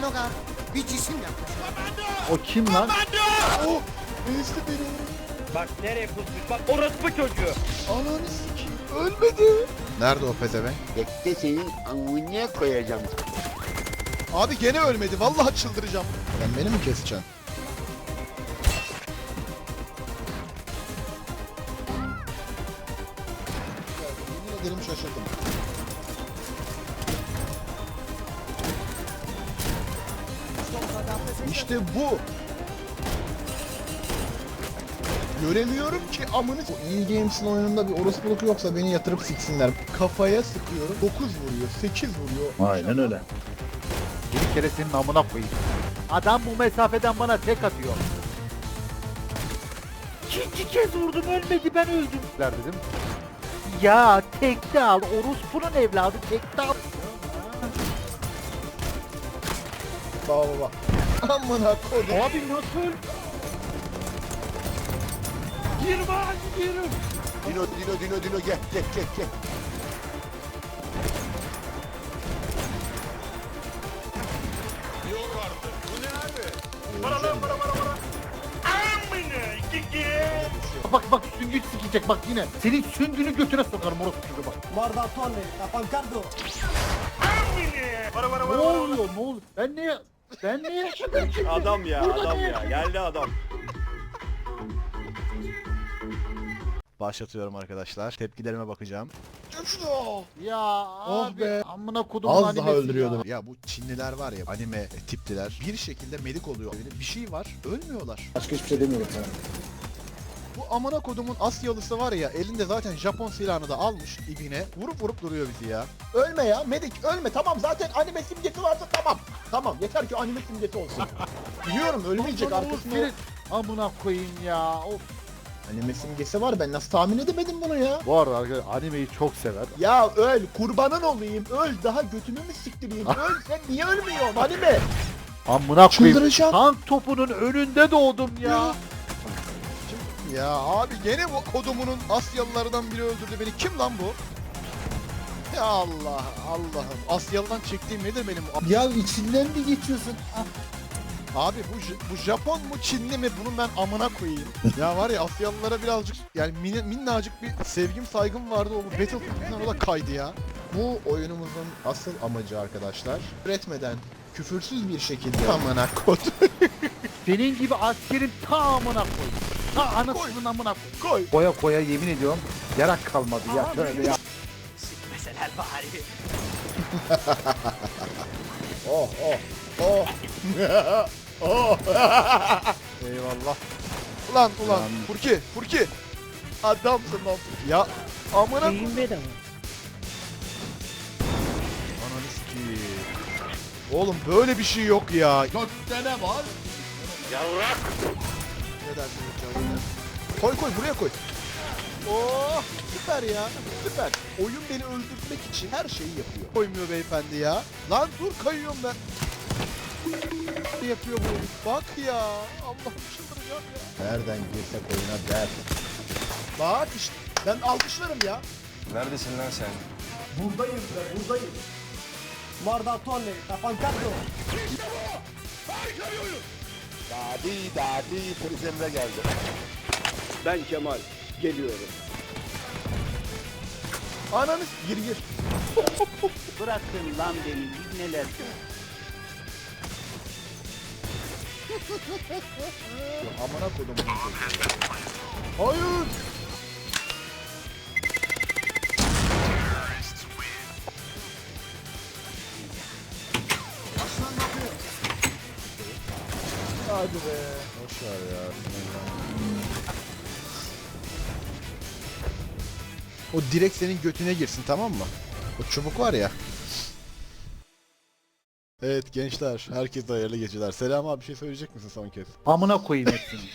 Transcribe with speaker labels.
Speaker 1: Logar bir cisim yaklaşıyor.
Speaker 2: O kim lan?
Speaker 3: Oh! Enişte beni.
Speaker 4: Bak nereye pusmuş bak orospu çocuğu.
Speaker 3: Ananı sikeyim. Ölmedi.
Speaker 5: Nerede o pezevenk?
Speaker 6: Bekle senin amına koyacağım.
Speaker 3: Abi gene ölmedi. Vallahi çıldıracağım.
Speaker 5: Sen beni mi keseceksin?
Speaker 3: Yemin ederim şaşırdım. İşte bu. Göremiyorum ki amını.
Speaker 5: Bu iyi Games'in oyununda bir orospuluk yoksa beni yatırıp siksinler.
Speaker 3: Kafaya sıkıyorum. 9 vuruyor, 8 vuruyor.
Speaker 2: Aynen öyle. Bir kere senin amına koyayım. Adam bu mesafeden bana tek atıyor. İkinci kez vurdum ölmedi ben öldüm. Dedim. Ya tekte al orospunun evladı tekte al.
Speaker 3: Baba baba. Amına koydum.
Speaker 2: Abi nasıl? Girme gidiyorum.
Speaker 6: Dino gel.
Speaker 2: Bak süngü sikecek bak yine. Senin süngünü götüne sokarım orospu çocuğu bak.
Speaker 7: Guardatone, Capancardo.
Speaker 2: Ne oluyor ne oluyor? Ben ne yaşadım şimdi?
Speaker 4: Adam ya
Speaker 2: Burada
Speaker 4: adam
Speaker 2: ne
Speaker 4: ya
Speaker 2: yaşadım?
Speaker 4: geldi adam.
Speaker 3: Başlatıyorum arkadaşlar. Tepkilerime bakacağım.
Speaker 2: Ya
Speaker 5: Oh
Speaker 2: abi
Speaker 5: be.
Speaker 2: amına kodum
Speaker 5: Az daha öldürüyordum.
Speaker 3: Ya bu Çinliler var ya, anime tipliler, bir şekilde medik oluyor. Bir şey var, ölmüyorlar.
Speaker 5: Başka hiçbir şey demiyorum sana.
Speaker 3: Bu amına kodumun Asyalısı var ya, elinde zaten Japon silahını da almış ibine. Vurup duruyor bizi ya. Ölme ya medik, ölme. Tamam, zaten anime simgesi varsa tamam. Tamam, yeter ki anime simgesi olsun. Biliyorum ölmeyecek arkasında.
Speaker 2: Senin amına koyayım ya. Of.
Speaker 3: Anime simgesi var, ben nasıl tahmin edemedim bunu ya?
Speaker 2: Bu arada arkadaşlar animeyi çok sever.
Speaker 3: Ya öl, kurbanın olayım, öl. Daha götümü mü siktireyim? Öl, sen niye ölmüyorsun anime?
Speaker 2: Amına koyayım.
Speaker 3: Çıldıracağım.
Speaker 2: Tank topunun önünde doğdum ya.
Speaker 3: Ya abi gene bu kodumunun Asyalılardan biri öldürdü beni. Kim lan bu? Ya Allah'ım. Asyalı'dan çektiğim nedir benim?
Speaker 7: Ya içinden mi geçiyorsun?
Speaker 3: Abi bu Japon mu Çinli mi, bunun ben amına koyayım. Ya var ya, Asyalılara birazcık yani minnacık bir sevgim saygım vardı, o Battlefield yüzünden o da kaydı ya. Bu oyunumuzun asıl amacı arkadaşlar, üretmeden küfürsüz bir şekilde amına kod
Speaker 2: Senin gibi askerin ta amına koy. Ta anasının amına koy.
Speaker 3: koy.
Speaker 2: Koya yemin ediyorum yarak kalmadı ya. Şöyle ya.
Speaker 4: Sikmeseler bari.
Speaker 3: Oh. Oh. Eyvallah. Ulan Furki. Adamsın lan Furki. Ya amına koyayım. Ananı sikeyim. Oğlum böyle bir şey yok ya. Gökte ne var?
Speaker 4: Yavrak.
Speaker 3: Ne dersin canım? Koy buraya koy. Oh süper ya, süper. Oyun beni öldürmek için her şeyi yapıyor. Koymuyor beyefendi ya. Lan dur, kayıyorum ben. Ne yapıyor bu herif? Bak ya. Allah'ım çıldıracağım ya.
Speaker 5: Nereden girsek oyuna der.
Speaker 3: Bak işte ben alkışlarım ya.
Speaker 6: Neredesin lan sen?
Speaker 7: Buradayım be, buradayım. Guardatone, Capancardo.
Speaker 6: Dadi polis emre geldi.
Speaker 4: Ben Kemal geliyorum.
Speaker 3: Ananı gir.
Speaker 4: Bırakın lan beni biz neler.
Speaker 3: Amına koydum bunu. Hayır. Hadi be.
Speaker 5: Boşver ya.
Speaker 3: O direkt senin götüne girsin, tamam mı? O çubuk var ya. Evet gençler, herkese hayırlı geceler. Selam abi, bir şey söyleyecek misin son kez?
Speaker 2: Amına koyayım hepsini.